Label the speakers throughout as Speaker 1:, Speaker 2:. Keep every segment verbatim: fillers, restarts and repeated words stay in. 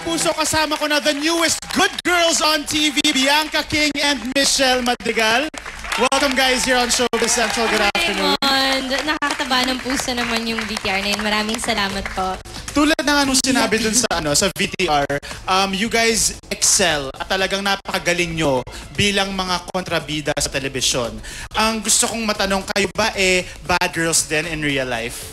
Speaker 1: kapuso, kasama ko na the newest good girls on T V, Bianca King and Michelle Madrigal. Welcome guys here on Showbiz Central. Good afternoon.
Speaker 2: Nakakataba ng puso naman yung V T R na yun. Maraming salamat po.
Speaker 1: Tulad ng anong sinabi dun sa ano sa V T R, um, you guys excel at talagang napakagaling nyo bilang mga kontrabida sa telebisyon. Ang gusto kong matanong, kayo ba eh bad girls din in real life?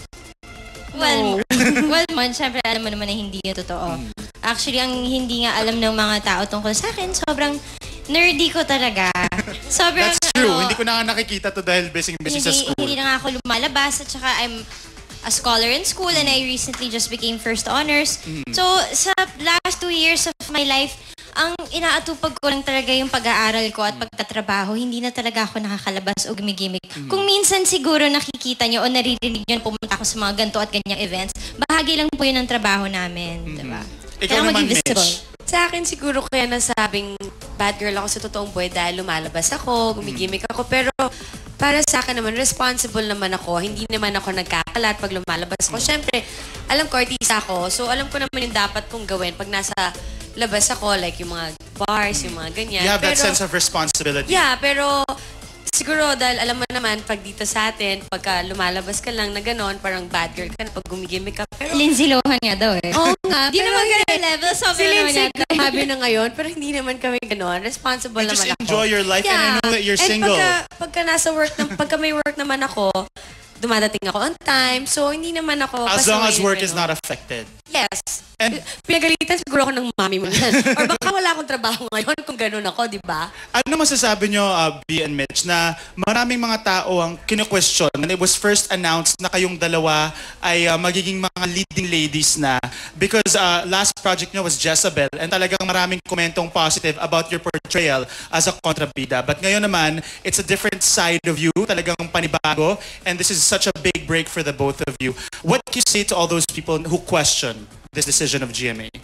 Speaker 2: Well, well man, syempre alam mo naman na hindi yun totoo. Actually, ang hindi nga alam ng mga tao tungkol sa akin, sobrang nerdy ko talaga. Sobrang,
Speaker 1: That's true.
Speaker 2: ano,
Speaker 1: hindi ko na nga nakikita to dahil busy-busy sa school.
Speaker 2: Hindi na nga ako lumalabas at saka I'm a scholar in school and I recently just became first honors. Mm. So, sa last two years of my life, ang inaatupag ko lang talaga yung pag-aaral ko at pagtatrabaho. Hindi na talaga ako nakakalabas o gimigimik. Mm. Kung minsan siguro nakikita nyo o naririnig nyo pumunta ako sa mga ganito at ganyang events, bahagi lang po yun ng trabaho namin. Mm-hmm. Diba?
Speaker 1: Ikaw
Speaker 2: Kaya
Speaker 1: naman, Mitch.
Speaker 3: Sa akin siguro kaya nasabing bad girl ako sa totoong buhay dahil lumalabas ako, gumigimik ako. Pero para sa akin naman, responsible naman ako. Hindi naman ako nagkakalat pag lumalabas ako. Siyempre, alam ko, artista ako. So alam ko naman yung dapat kong gawin pag nasa labas ako. Like yung mga bars, yung mga ganyan.
Speaker 1: You have
Speaker 3: pero,
Speaker 1: that sense of responsibility.
Speaker 3: Yeah, pero siguro dahil alam mo naman, pag dito sa atin, pagka lumalabas ka lang na gano'n, parang bad girl ka na pag gumigimik ka. Pero
Speaker 2: Lindsay Lohan nga daw eh.
Speaker 3: Oo nga.
Speaker 2: Di naman ganun level.
Speaker 3: Si
Speaker 2: Sobrang naman
Speaker 3: Lindsay
Speaker 2: yata.
Speaker 3: grabe na ngayon, pero hindi naman kami gano'n. Responsible
Speaker 1: You
Speaker 3: naman
Speaker 1: just
Speaker 3: ako.
Speaker 1: enjoy your life and I know that you're
Speaker 3: and
Speaker 1: single.
Speaker 3: Pagka, pagka nasa work, na, pagka may work naman ako, dumadating ako on time. So, hindi naman ako...
Speaker 1: As long as work
Speaker 3: ano.
Speaker 1: is not affected.
Speaker 3: Yes.
Speaker 1: And
Speaker 3: pinagalitan siguro ako ng mami mo yan. Or baka wala akong trabaho ngayon kung gano'n ako, di ba?
Speaker 1: ano masasabi nyo, uh, B and Mitch, na maraming mga tao ang kinu-question when it was first announced na kayong dalawa ay uh, magiging mga leading ladies na because uh, last project nyo was Jezebel and talagang maraming komentong positive about your portrayal as a kontrabida. But ngayon naman, it's a different side of you, talagang panibago, and this is such a big break for the both of you. What do you say to all those people who question this decision of G M A?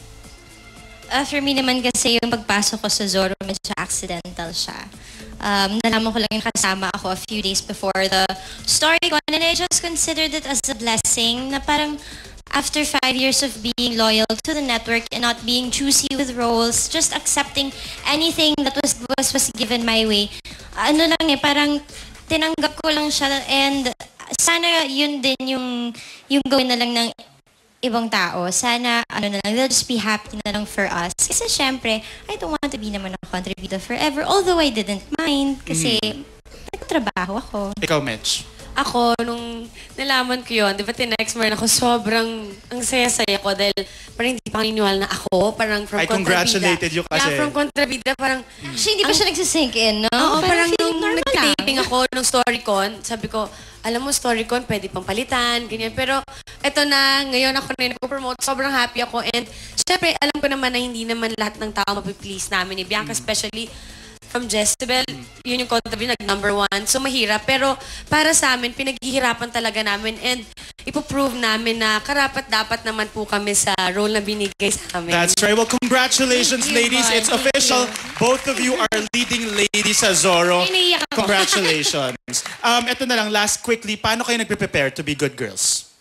Speaker 2: Uh, for me naman kasi yung pagpasok ko sa Zorro, medyo accidental siya. Um, nalaman ko lang yung kasama ako a few days before the story ko and I just considered it as a blessing na parang after five years of being loyal to the network and not being choosy with roles, just accepting anything that was was, was given my way. Ano lang eh, parang tinanggap ko lang siya and sana yun din yung, yung gawin na lang ng ibang tao. Sana, ano na lang, they'll just be happy na lang for us. Kasi syempre, I don't want to be naman a contributor forever. Although I didn't mind kasi mm. nagtrabaho ako.
Speaker 1: Ikaw, Mitch?
Speaker 3: Ako, nung nalaman ko yun, di ba tinext mo rin ako, sobrang ang saya-saya ko dahil parang hindi pa naniniwala na ako, parang from
Speaker 1: I congratulated you kasi.
Speaker 3: Yeah, from kontrabida, parang...
Speaker 2: Actually, hindi pa siya nagsisink in, no?
Speaker 3: Oo, parang,
Speaker 2: parang
Speaker 3: nung nag-dating ako, nung StoryCon, sabi ko, alam mo, StoryCon, pwede pang palitan, ganyan. Pero, eto na, ngayon ako na nag-promote, sobrang happy ako. And, syempre, alam ko naman na hindi naman lahat ng tao mapiplease namin ni Bianca, mm. especially from Jezebel, yun yung content nag-number one. So, mahirap. Pero, para sa amin, pinaghihirapan talaga namin and ipoprove namin na karapat-dapat naman po kami sa role na binigay sa amin.
Speaker 1: That's right. Well, congratulations,
Speaker 3: you,
Speaker 1: ladies.
Speaker 3: man.
Speaker 1: It's official. Both of you are leading ladies sa Zorro. Congratulations. um, ito na lang, last quickly, paano kayo nagpe-prepare to be good girls?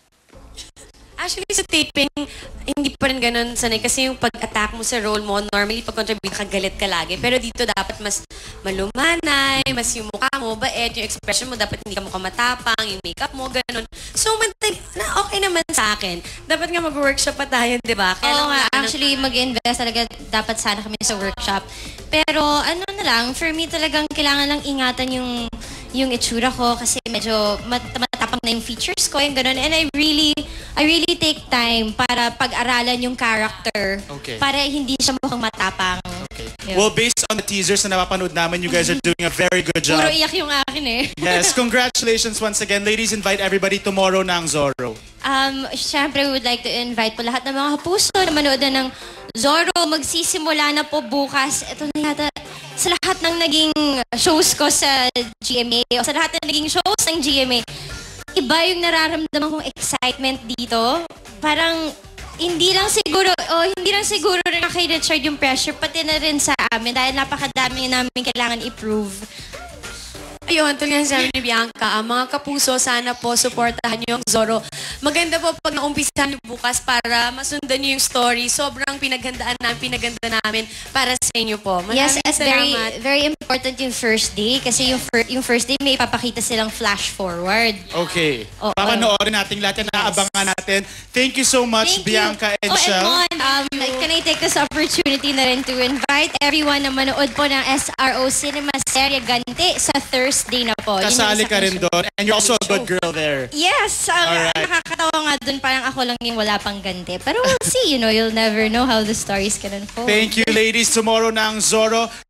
Speaker 3: Actually, sa taping, hindi pa rin ganun sanay. Kasi yung pag-attack mo sa role mo, normally pag-contribute ka, galit ka lagi. Pero dito dapat mas malumanay, mas yung mukha mo, bait, yung expression mo, dapat hindi ka mukha matapang, yung makeup mo, ganun. So, mantay, na okay naman sa akin. Dapat nga mag-workshop pa tayo, di ba?
Speaker 2: Oo nga, actually, mag-invest talaga dapat sana kami sa workshop. Pero, ano na lang, for me talagang kailangan lang ingatan yung yung itsura ko kasi medyo mat matapang na yung features ko, yung ganun. And I really, I really take time para pag-aralan yung character.
Speaker 1: Okay.
Speaker 2: Para hindi siya mukhang matapang.
Speaker 1: Okay.
Speaker 2: Yun.
Speaker 1: Well, based on the teasers na napapanood namin, you guys are doing a very good job.
Speaker 2: Puro iyak yung akin eh.
Speaker 1: Yes, congratulations once again. Ladies, invite everybody tomorrow na ang Zorro.
Speaker 2: Um, Siyempre, we would like to invite po lahat ng mga kapuso na manood na ng Zorro. Magsisimula na po bukas. Ito na yata sa lahat ng naging shows ko sa G M A o sa lahat ng naging shows ng G M A. Iba yung nararamdaman kong excitement dito. Parang hindi lang siguro, o hindi lang siguro rin kay Richard yung pressure, pati na rin sa amin dahil napakadami namin kailangan i-prove.
Speaker 3: Ayun, tulad nga sabi ni Bianca, ang mga kapuso, sana po supportahan niyo ang Zorro. maganda po pag naumpisahan niyo bukas para masundan niyo yung story. Sobrang pinaghandaan namin, pinaganda namin para sa inyo po. Maraming
Speaker 2: Yes, at very
Speaker 3: salamat.
Speaker 2: very important yung first day kasi yung fir- yung first day may papakita silang flash forward.
Speaker 1: Okay.
Speaker 2: Oo.
Speaker 1: Papanoorin natin lahat yan. Naabangan natin. Thank you so much,
Speaker 2: Thank
Speaker 1: Bianca
Speaker 2: you.
Speaker 1: and
Speaker 2: oh,
Speaker 1: Shell.
Speaker 2: And Mon, um, can I take this opportunity na rin to invite everyone na manood po ng S R O Cinema Serye Ganti sa Thursday na po. Yun yung
Speaker 1: Kasali
Speaker 2: isa
Speaker 1: ka
Speaker 2: kong
Speaker 1: rin
Speaker 2: show.
Speaker 1: doon. And you're also a good girl there.
Speaker 2: Yes, ang
Speaker 1: Alright.
Speaker 2: nakakatawa nga dun, parang ako lang yung wala pang ganti. Pero we'll see, you know, you'll never know how the stories can unfold.
Speaker 1: Thank you, ladies. Tomorrow na ang Zorro.